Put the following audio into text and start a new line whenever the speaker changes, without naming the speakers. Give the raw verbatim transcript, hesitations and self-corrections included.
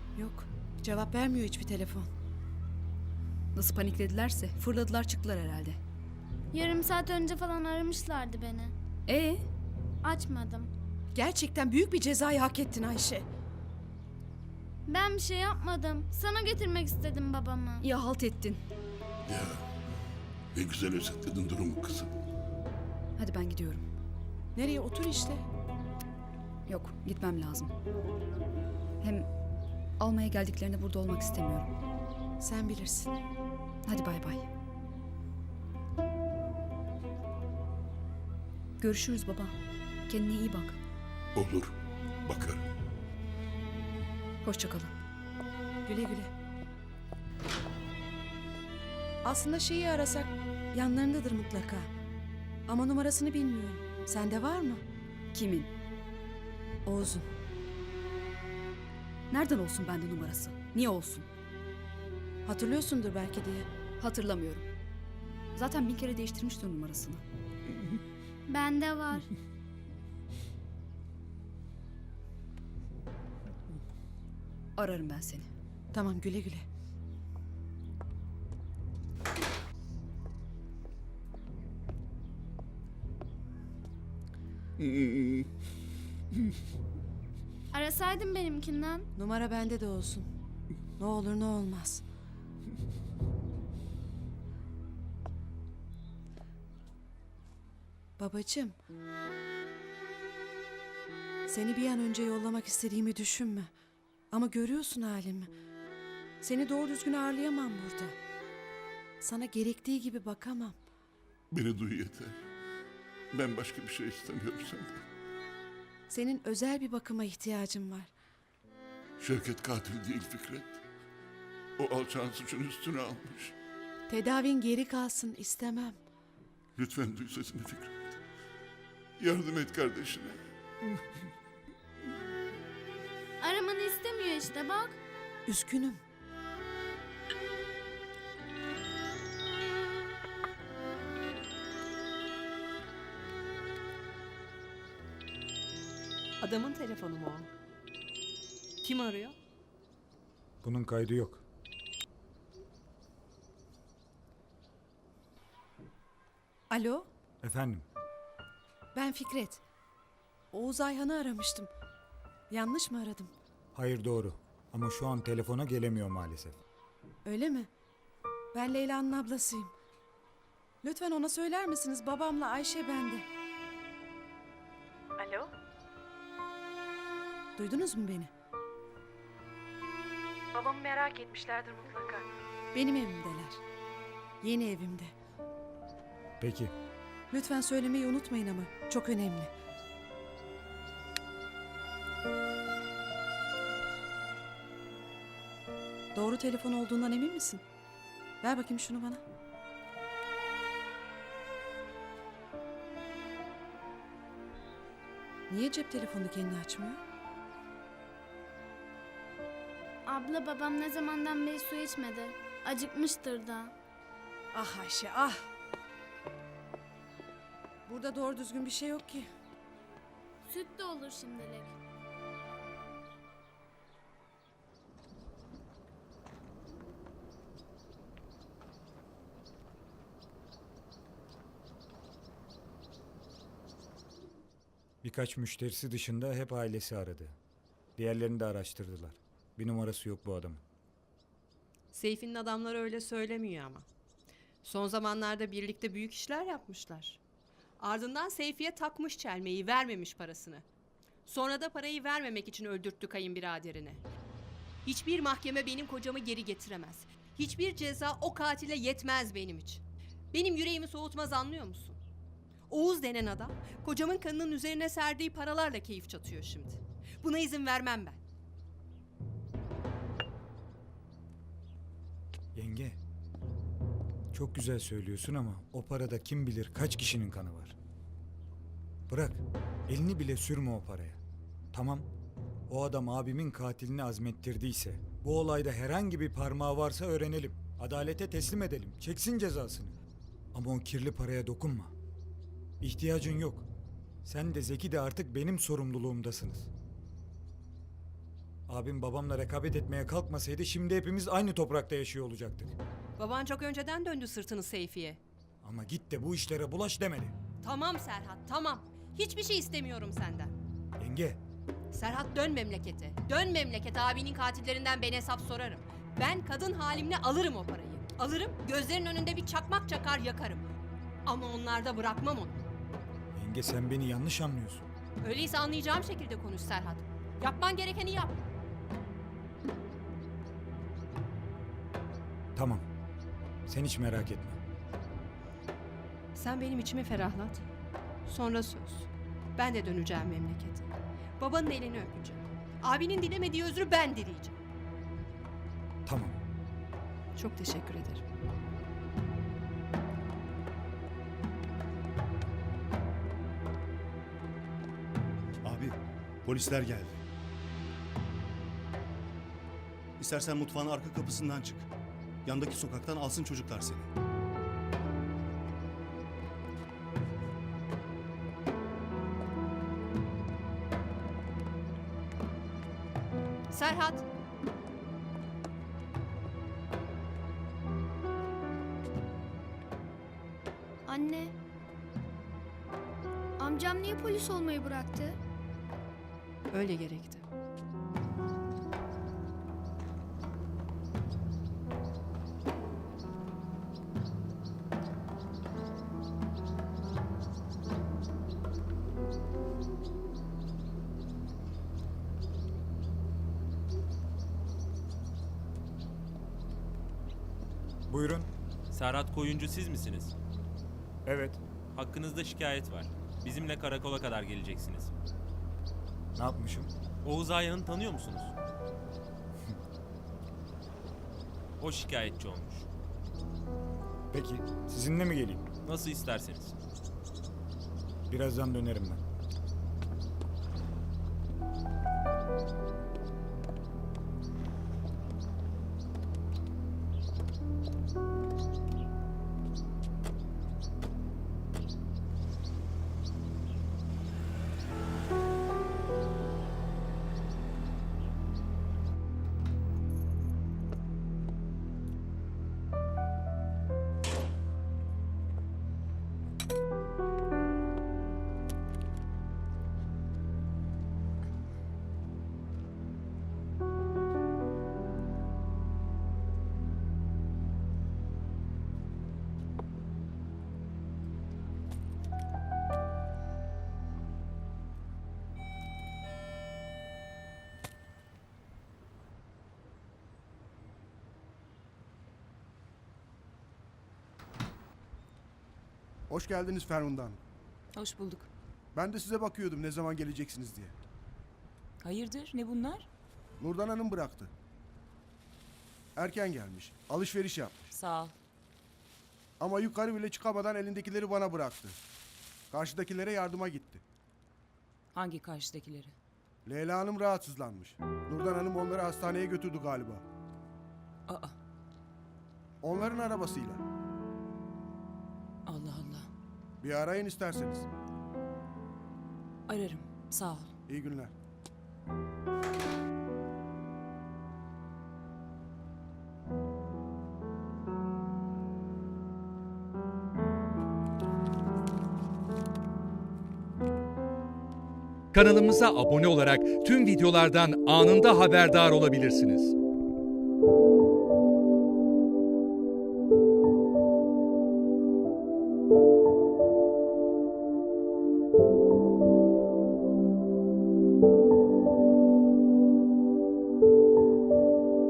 Yok. Cevap vermiyor hiçbir telefon.
Nasıl panikledilerse fırladılar çıktılar herhalde.
Yarım saat önce falan aramışlardı beni.
Ee,
Açmadım.
Gerçekten büyük bir cezayı hak ettin Ayşe.
Ben bir şey yapmadım. Sana getirmek istedim babamı.
ya halt ettin.
Ya ne güzel özetledin durumu kızım.
Hadi ben gidiyorum.
Nereye? Otur işte.
Yok, gitmem lazım. Hem almaya geldiklerinde burada olmak istemiyorum.
Sen bilirsin.
Hadi bay bay. Görüşürüz baba. Kendine iyi bak.
Olur, bakarım.
Hoşça kalın.
Güle güle. Aslında şeyi arasak yanlarındadır mutlaka. Ama numarasını bilmiyorum. Sende var mı?
Kimin?
Oğuz'un.
Nereden olsun bende numarası? Niye olsun?
Hatırlıyorsundur belki diye.
Hatırlamıyorum. Zaten bin kere değiştirmiştir numarasını.
Bende var.
Ararım ben seni.
Tamam, güle güle.
Arasaydın benimkinden.
Numara bende de olsun. Ne olur ne olmaz. Babacığım. Seni bir an önce yollamak istediğimi düşünme. Ama görüyorsun halimi. Seni doğru düzgün ağırlayamam burada. Sana gerektiği gibi bakamam.
Beni duy yeter. Ben başka bir şey istemiyorum senden.
Senin özel bir bakıma ihtiyacın var.
Şevket katil değil Fikret. O alçağın suçun üstüne almış.
Tedavin geri kalsın istemem.
Lütfen duy sesimi Fikret. Yardım et kardeşine.
Aramanı istemiyor işte bak.
Üzgünüm.
Adamın telefonu mu o? Kim arıyor?
Bunun kaydı yok.
Alo,
Efendim,
ben Fikret. Oğuz Ayhan'ı aramıştım. Yanlış mı aradım?
hayır doğru. Ama şu an telefona gelemiyor maalesef.
Öyle mi? Ben Leyla'nın ablasıyım. Lütfen ona söyler misiniz? Babamla Ayşe bende. Alo? Duydunuz mu beni? Babamı merak etmişlerdir mutlaka. Benim evimdeler. Yeni evimde.
Peki,
Lütfen söylemeyi unutmayın ama. Çok önemli. Doğru telefon olduğundan emin misin? Ver bakayım şunu bana. Niye cep telefonu kendi açmıyor?
Abla babam ne zamandan beri su içmedi. Acıkmıştır da.
Ah Ayşe ah. Burada doğru düzgün bir şey yok ki.
Süt de olur şimdilik.
birkaç müşterisi dışında hep ailesi aradı. Diğerlerini de araştırdılar. Bir numarası yok bu adamın.
Seyfi'nin adamları öyle söylemiyor ama. Son zamanlarda birlikte büyük işler yapmışlar. Ardından Seyfi'ye takmış çelmeyi, vermemiş parasını. Sonra da parayı vermemek için öldürttü kayınbiraderini. Hiçbir mahkeme benim kocamı geri getiremez. Hiçbir ceza o katile yetmez benim için. Benim yüreğimi soğutmaz, anlıyor musun? Oğuz denen adam kocamın kanının üzerine serdiği paralarla keyif çatıyor şimdi. Buna izin vermem ben.
Yenge, çok güzel söylüyorsun ama o parada kim bilir kaç kişinin kanı var. Bırak, elini bile sürme o paraya. Tamam, o adam abimin katilini azmettirdiyse, bu olayda herhangi bir parmağı varsa öğrenelim. Adalete teslim edelim, çeksin cezasını. Ama o kirli paraya dokunma. İhtiyacın yok. Sen de Zeki de artık benim sorumluluğumdasınız. Abim babamla rekabet etmeye kalkmasaydı şimdi hepimiz aynı toprakta yaşıyor olacaktık.
Baban çok önceden döndü sırtını Seyfi'ye.
Ama git de bu işlere bulaş demedi.
Tamam Serhat, tamam. Hiçbir şey istemiyorum senden.
Yenge,
Serhat dön memlekete. Dön memlekete, abinin katillerinden ben hesap sorarım. Ben kadın halimle alırım o parayı. Alırım, gözlerin önünde bir çakmak çakar yakarım. Ama onlarda bırakmam onu.
yenge sen beni yanlış anlıyorsun.
Öyleyse anlayacağım şekilde konuş Serhat. Yapman gerekeni yap.
Tamam. Sen hiç merak etme.
Sen benim içimi ferahlat. Sonra söz. Ben de döneceğim memlekete. Babanın elini öpeceğim. Abinin dilemediği özrü ben dileyeceğim.
Tamam.
Çok teşekkür ederim.
Abi, polisler geldi. İstersen mutfağın arka kapısından çık. Yandaki sokaktan alsın çocuklar seni.
Serhat.
Anne. Amcam niye polis olmayı bıraktı?
Öyle gerekti.
Buyurun.
Serhat Koyuncu siz misiniz?
Evet.
Hakkınızda şikayet var. Bizimle karakola kadar geleceksiniz.
Ne yapmışım?
Oğuz Ayhan'ı tanıyor musunuz? O şikayetçi olmuş.
Peki sizinle mi geleyim?
Nasıl isterseniz.
Birazdan dönerim ben.
Hoş geldiniz Ferhundan.
Hoş bulduk.
Ben de size bakıyordum ne zaman geleceksiniz diye.
Hayırdır, ne bunlar?
Nurdan Hanım bıraktı. Erken gelmiş. Alışveriş yapmış.
Sağ ol.
Ama yukarı bile çıkamadan elindekileri bana bıraktı. Karşıdakilere yardıma gitti.
Hangi karşıdakileri?
Leyla Hanım rahatsızlanmış. Nurdan Hanım onları hastaneye götürdü galiba.
Aa,
Onların arabasıyla.
Allah Allah.
Bir arayın isterseniz.
Ararım, sağ ol.
İyi günler.
Kanalımıza abone olarak tüm videolardan anında haberdar olabilirsiniz.